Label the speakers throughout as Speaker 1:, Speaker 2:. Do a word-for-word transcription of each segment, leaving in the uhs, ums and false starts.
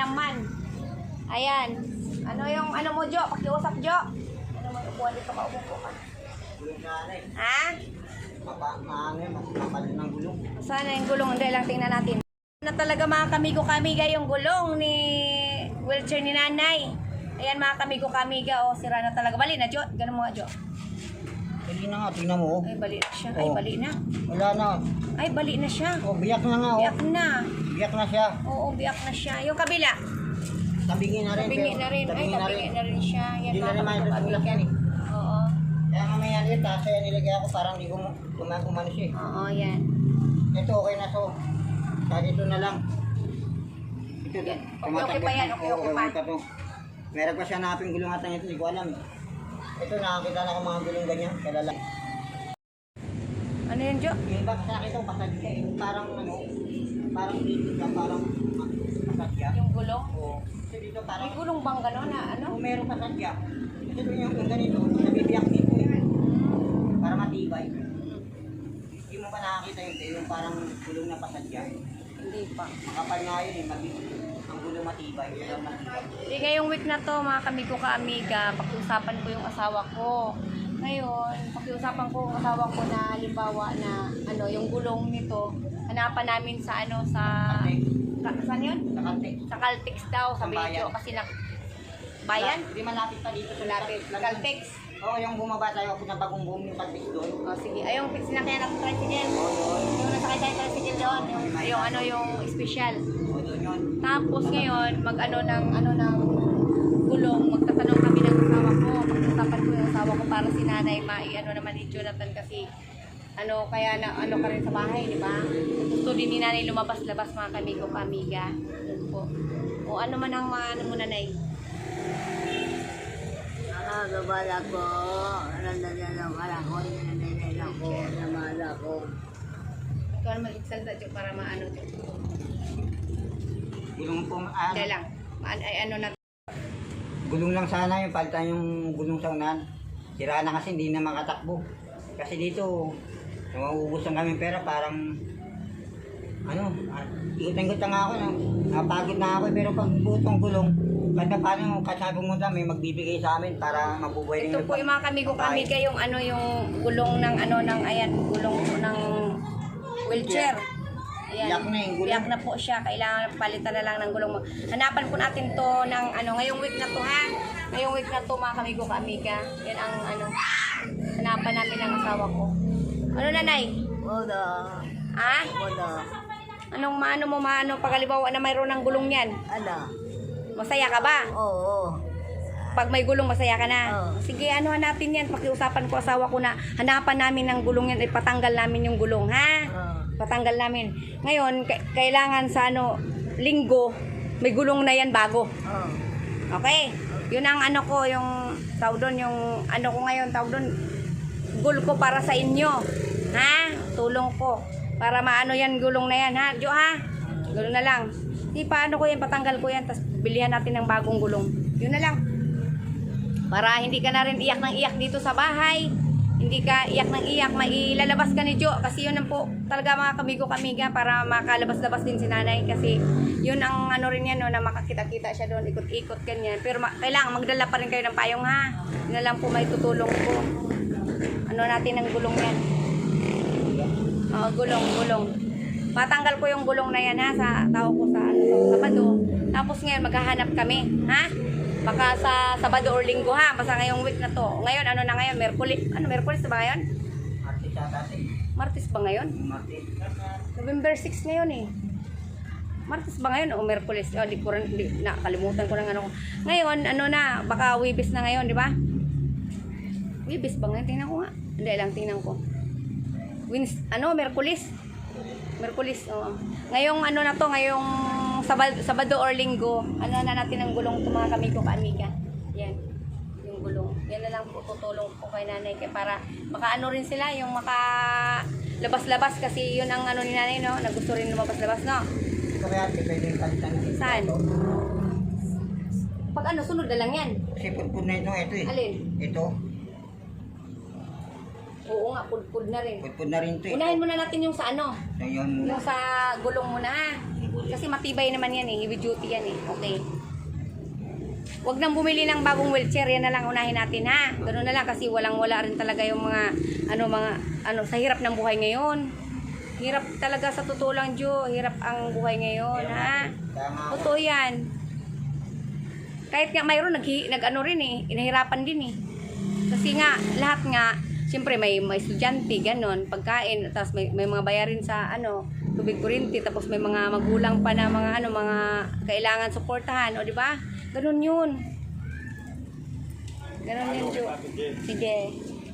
Speaker 1: naman. Ayan. Ano yung ano mo, Jo? Pakiusap, Jo. Ano mo upuan dito ka, umupo ka. Ha?
Speaker 2: Ano yun, mapalit ng gulong.
Speaker 1: Sana yung gulong, hindi lang tingnan natin. Na talaga mga kamigo-kamiga yung gulong ni wheelchair ni nanay. Ayan mga kamigo-kamiga, oh, sira na talaga. Bali na, Jo. Ganun mo nga, Jo.
Speaker 2: Bali na nga, tingnan mo.
Speaker 1: Ay, bali na siya. Ay,
Speaker 2: Oh.
Speaker 1: bali na.
Speaker 2: Wala na.
Speaker 1: Ay, bali na siya.
Speaker 2: Oh, biyak na nga. Oh.
Speaker 1: Biyak na.
Speaker 2: Biyak na siya.
Speaker 1: Oo, biyak na siya. Yung kabila.
Speaker 2: Tabingin na rin.
Speaker 1: Tabingi
Speaker 2: pero-
Speaker 1: na rin. Ay,
Speaker 2: tabingin
Speaker 1: tabingi na rin siya. Yan
Speaker 2: Hindi na
Speaker 1: mga
Speaker 2: rin maayos
Speaker 1: kamigo-kamiga.
Speaker 2: tulak yan eh.
Speaker 1: Oo.
Speaker 2: Kaya mamaya nila, taas yan nilagay ako parang hindi ko kumano siya eh.
Speaker 1: Oo, yan.
Speaker 2: Ito okay na to. Kahit ito na lang. Ito,
Speaker 1: Yan. Okay,
Speaker 2: tumatakbo
Speaker 1: okay pa yan.
Speaker 2: na.
Speaker 1: Okay,
Speaker 2: Oo,
Speaker 1: okay pa.
Speaker 2: to. Meron pa siya naping gulong ata ito, hindi ko alam eh. Ito, nakakita na ako mga gulong ganyan, kalala.
Speaker 1: Ano yun, Jo?
Speaker 2: Yung iba kasi nakita ko pasad siya eh. Parang ano, parang dito ka, parang pasad siya.
Speaker 1: Yung gulong?
Speaker 2: Oo. Kasi dito parang,
Speaker 1: May gulong bang gano'n na ano?
Speaker 2: kung meron pasad siya. Kasi doon yung, yung ganito, nabibiyak dito eh. Para matibay. Hindi mo pa nakakita yun, eh, yung parang gulong na pasad siya.
Speaker 1: Hindi pa.
Speaker 2: Makapal nga yun eh, mabig. Ang gulong matibay, gulong matibay.
Speaker 1: Di ngayong week na to, mga kamigo ka-amiga, pakiusapan ko yung asawa ko. Ngayon, pakiusapan ko yung asawa ko na halimbawa na ano, yung gulong nito, hanapan namin sa ano, sa... Ka, saan yun?
Speaker 2: Sa kante.
Speaker 1: Sa Caltex daw, sa
Speaker 2: Sa
Speaker 1: video.
Speaker 2: bayan.
Speaker 1: Kasi na... Bayan?
Speaker 2: Hindi malapit pa dito. sa
Speaker 1: Malapit. Caltex.
Speaker 2: Oo, yung bumaba tayo, pinabagong boom yung Caltex doon.
Speaker 1: O sige, ay yung sinakyan ng tricycle.
Speaker 2: Oo, doon.
Speaker 1: Yung nasakay tayo ng tricycle doon, yung, yung ano, yung special.
Speaker 2: Oo, doon yun.
Speaker 1: Tapos ngayon, mag-ano ng, ano ng gulong, magtatanong kami ng asawa ko. Pag-usapan ko yung asawa ko para si nanay, mai-ano naman ni Jonathan kasi ano, kaya na, ano ka rin sa bahay, di ba? Gusto din ni nanay lumabas-labas mga kamigo kamiga. Yun po. O ano man ang mga, ano mo nanay?
Speaker 3: Ah, gabala ko. Nandanan lang ko. Nandanan lang ko. Namala ko.
Speaker 1: Ikaw naman magsalita, Jo, para maano, Jo.
Speaker 2: Gulong po, ah,
Speaker 1: Kaya lang, maan, ay ano na,
Speaker 2: gulong lang sana yung palitan yung gulong sa unahan. Sira na kasi hindi na makatakbo. Kasi dito, nauubos ang kami pera parang ano, ah, ikot-ikot na nga ako, no? Napagod na ako pero pag butong gulong, kahit na paano, kahit sabi mo may magbibigay sa amin para mabubuhay rin
Speaker 1: ito po yung mga kamigo kamiga, yung ano, yung gulong ng ano, ng, ayan, gulong ng wheelchair. Ayan.
Speaker 2: Biyak na yung gulong.
Speaker 1: Biyak na po siya. Kailangan palitan na lang ng gulong mo. Hanapan po natin to ng ano, ngayong week na to ha. Ngayong week na to mga kamigo ka-amiga. Yan ang ano, hanapan namin ng asawa ko. Ano nanay?
Speaker 3: Wala.
Speaker 1: Ha?
Speaker 3: Wala.
Speaker 1: Anong maano mo maano pagalibawa na mayroon ng gulong yan?
Speaker 3: Ano?
Speaker 1: Masaya ka ba?
Speaker 3: Oo.
Speaker 1: Pag may gulong, masaya ka na?
Speaker 3: Oo.
Speaker 1: Sige, ano hanapin yan? Pakiusapan ko asawa ko na hanapan namin ng gulong yan. Ipatanggal namin yung gulong, ha?
Speaker 3: Oo.
Speaker 1: Patanggal namin. Ngayon, k- kailangan sa ano, linggo, may gulong na yan bago.
Speaker 3: Oo.
Speaker 1: Okay? Yun ang ano ko, yung tawag doon, yung ano ko ngayon, tawag doon, goal ko para sa inyo. Ha? Tulong ko. Para maano yan, gulong na yan, ha? Jo, ha? Gulong na lang. Di paano ko yan, patanggal ko yan, tapos bilihan natin ng bagong gulong. Yun na lang. Para hindi ka na rin iyak ng iyak dito sa bahay. Hindi ka iyak ng iyak, mailalabas ka ni Jo. Kasi yun ang po talaga mga kamigo kamiga para makalabas-labas din si nanay. Kasi yun ang ano rin yan, no, na makakita-kita siya doon, ikot-ikot ganyan. Pero ma- kailangan magdala pa rin kayo ng payong, ha. Yun na lang po may tutulong ko. Ano natin ang gulong yan. Oo, gulong, gulong. Matanggal ko yung gulong na yan, ha, sa tao ko sa ano, sa Sabado. Tapos ngayon maghahanap kami, ha. Baka sa Sabado or Linggo, ha. Basta ngayong week na to. Ngayon, ano na ngayon? Merkulis. Ano, Merkulis na ba ngayon?
Speaker 2: Martes ata eh.
Speaker 1: Martes ba ngayon?
Speaker 2: Martes.
Speaker 1: November six ngayon eh. Martes ba ngayon o Merkulis? Oh, di ko rin, di, nakalimutan ko ng ano ko. Ngayon, ano na, baka Wibis na ngayon, di ba? Wibis ba ngayon? Tingnan ko nga. Hindi lang, tingnan ko. Wins, ano, Merkulis? Merkulis, oo. Ngayong ano na to, ngayong Sabado, Sabado or Linggo, ano na natin ang gulong to mga kamigo ka-amiga. Yan, yung gulong. Yan na lang po tutulong po kay nanay kaya para makaano rin sila, yung maka labas-labas kasi yun ang ano ni nanay, no? Na gusto rin lumabas-labas, no?
Speaker 2: Ito kaya ate, pwede yung palitan.
Speaker 1: Saan? Pag ano, sunod na lang yan.
Speaker 2: Kasi pudpud na ito, ito eh.
Speaker 1: Alin?
Speaker 2: Ito,
Speaker 1: Oo nga, pud-pud na rin.
Speaker 2: pudpud na rin ito eh.
Speaker 1: Unahin muna natin yung sa ano,
Speaker 2: So yun muna.
Speaker 1: yung sa gulong muna, ha? Kasi matibay naman yan eh. Heavy duty yan eh. Okay. Huwag nang bumili ng bagong wheelchair. Yan na lang unahin natin ha. Ganun na lang kasi walang-wala rin talaga yung mga, ano, mga, ano, sa hirap ng buhay ngayon. Hirap talaga sa totoo lang, Jo. Hirap ang buhay ngayon, ha? Totoo yan. Kahit nga mayroon, nag, nag ano rin eh. Inahirapan din eh. Kasi nga, lahat nga, siyempre may, may estudyante, ganon, pagkain, tapos may, may mga bayarin sa ano, tubig kuryente, tapos may mga magulang pa na mga ano, mga kailangan suportahan, o di ba? Ganon yun. Ganon yun, Jo. Sige.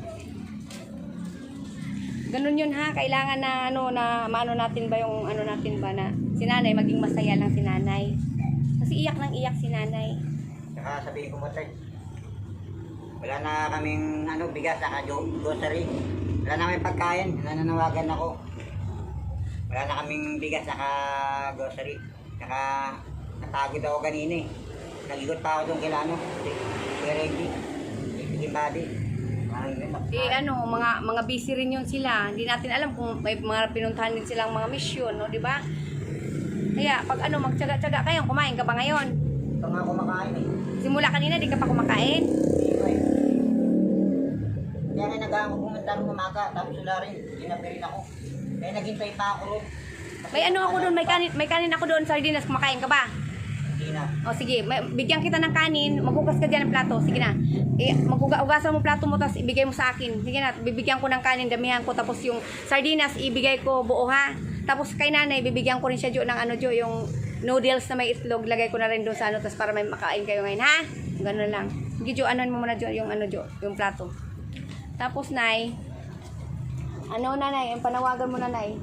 Speaker 1: Ganon yun ha, kailangan na ano, na maano natin ba yung ano natin ba na si nanay, maging masaya lang si nanay. Kasi iyak nang iyak si nanay.
Speaker 2: Saka sabihin ko mo tayo, wala na kaming ano, bigas, saka grocery. Wala na kaming pagkain, nananawagan ako. Wala na kaming bigas, saka grocery. Saka natagod ako kanina eh. Nag-ikot pa ako doon kila ano, kaya ready. Sige body.
Speaker 1: Eh ano, mga mga busy rin yun sila. Hindi natin alam kung may mga pinuntahan din silang mga mission, no, di ba? Kaya pag ano, magtiyaga-tiyaga kayo, kumain ka ba ngayon?
Speaker 2: Ito nga kumakain eh.
Speaker 1: Simula kanina, di ka pa kumakain?
Speaker 2: Hindi ko eh. Kaya nga nag-aang ko pumunta rin umaga, tapos wala rin, ginabi rin ako. Kaya naghintay pa ako rin.
Speaker 1: May ano ako doon, may kanin, may kanin ako doon, sardinas, kumakain ka ba?
Speaker 2: Hindi na.
Speaker 1: O sige, may, bigyan kita ng kanin, maghugas ka dyan ng plato, sige na. Eh, maghugasan mo plato mo, tapos ibigay mo sa akin. Sige na, bibigyan ko ng kanin, damihan ko, tapos yung sardinas, ibigay ko buo ha. Tapos kay nanay, bibigyan ko rin siya Jo ng ano Jo, yung noodles na may itlog, lagay ko na rin doon sa ano, tapos para may makain kayo ngayon ha. Ganun lang. Sige Jo, anon mo muna Jo, yung ano Jo, yung plato. Tapos nay, ano nanay, yung panawagan mo nanay.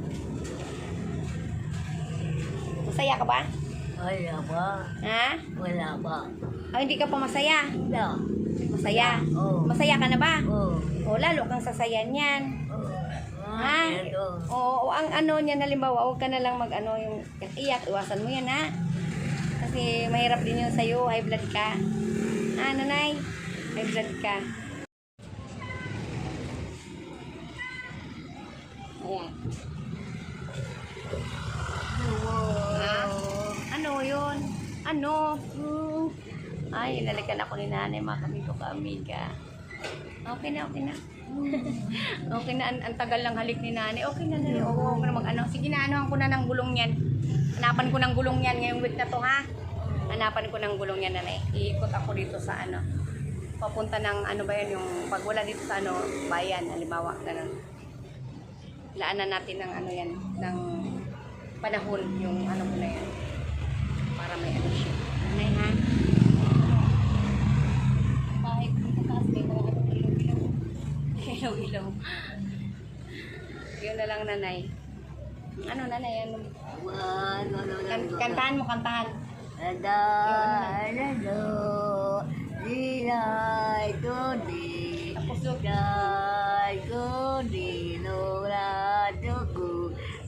Speaker 1: Masaya ka ba?
Speaker 3: Wala ba?
Speaker 1: Ha?
Speaker 3: Wala ba?
Speaker 1: Ay, hindi ka pa masaya.
Speaker 3: Wala.
Speaker 1: Masaya.
Speaker 3: Oo.
Speaker 1: Masaya ka na ba?
Speaker 3: Oo.
Speaker 1: O, lalo kang sasayan yan.
Speaker 3: Oo.
Speaker 1: Ha?
Speaker 3: Ito.
Speaker 1: Oo, ang ano niya, halimbawa, huwag ka na lang mag, ano, yung iyak, iwasan mo yan, ha? Kasi mahirap din yun sa'yo, high blood ka. Ha, nanay? High blood ka. Ayan. Ha? Ano yun? Ano? Hmm. Ay, inalikan ako ni nanay, mga kami ko ka-amiga. Okay na, okay na. Okay na, ang, ang tagal lang halik ni nanay. Okay na, nanay. Oo, huwag na mag-ano. Sige na, anuhan ko na ng gulong yan. Hanapan ko ng gulong yan ngayong week na to, ha? Hanapan ko ng gulong yan, nanay. Iikot ako dito sa ano. Papunta ng ano ba yan, yung pag wala dito sa ano, bayan, halimbawa, ganun. Laanan natin ng ano yan, ng panahon, yung ano mo na yan. Para may ano siya. Nanay, ha? Kahit dito taas, may mga ano, ilaw-ilaw. Ilaw-ilaw. Yun na lang, nanay. Ano, nanay? Ano?
Speaker 3: Ano, ano,
Speaker 1: Kan kantahan mo, kantahan.
Speaker 3: Ada, ada, dinay, kundi,
Speaker 1: Tapos yun.
Speaker 3: dinay, kundi, nura, tuku,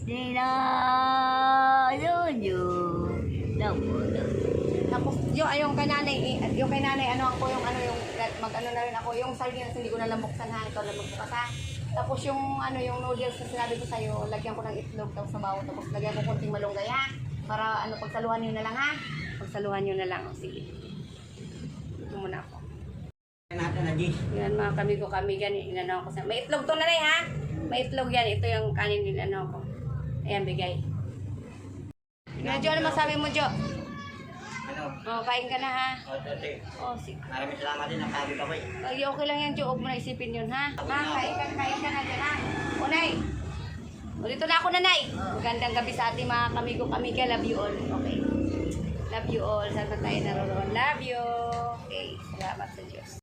Speaker 3: dinay, yunyo, napo,
Speaker 1: Tapos yung ayong kay nanay, eh, yung kay nanay ano ako yung ano yung mag-ano na rin ako yung sardinas hindi ko na lang buksan ha, ito lang magbukas ha. Tapos yung ano yung noodles na sinabi ko sa'yo, lagyan ko ng itlog tapos sabaw tapos lagyan ko konting malunggay ha. Para ano pagsaluhan niyo na lang ha. Pagsaluhan niyo na lang. O, sige. Ito muna ako.
Speaker 2: Natin na G.
Speaker 1: Yan mga kami ko kami gan inano ko sa. May itlog to nanay ha. May itlog yan. Ito yung kanin din ano ko. Ayan bigay. Tingnan Jo, ano masabi mo Jo?
Speaker 2: Ano?
Speaker 1: Oh, kain ka na ha.
Speaker 2: O, tate.
Speaker 1: Oh, sige.
Speaker 2: Maraming salamat din, napagod ako eh.
Speaker 1: Ay, okay lang yan, Jo. Huwag mo na isipin yun, ha? Ha? Kain ka, kain ka na dyan, ha? O, Nay. O, dito na ako, Nanay. Magandang gabi sa ating mga kamigo kamiga. Love you all. Okay. Love you all. Saan pa tayo naroon? Love you. Okay. Salamat sa Diyos.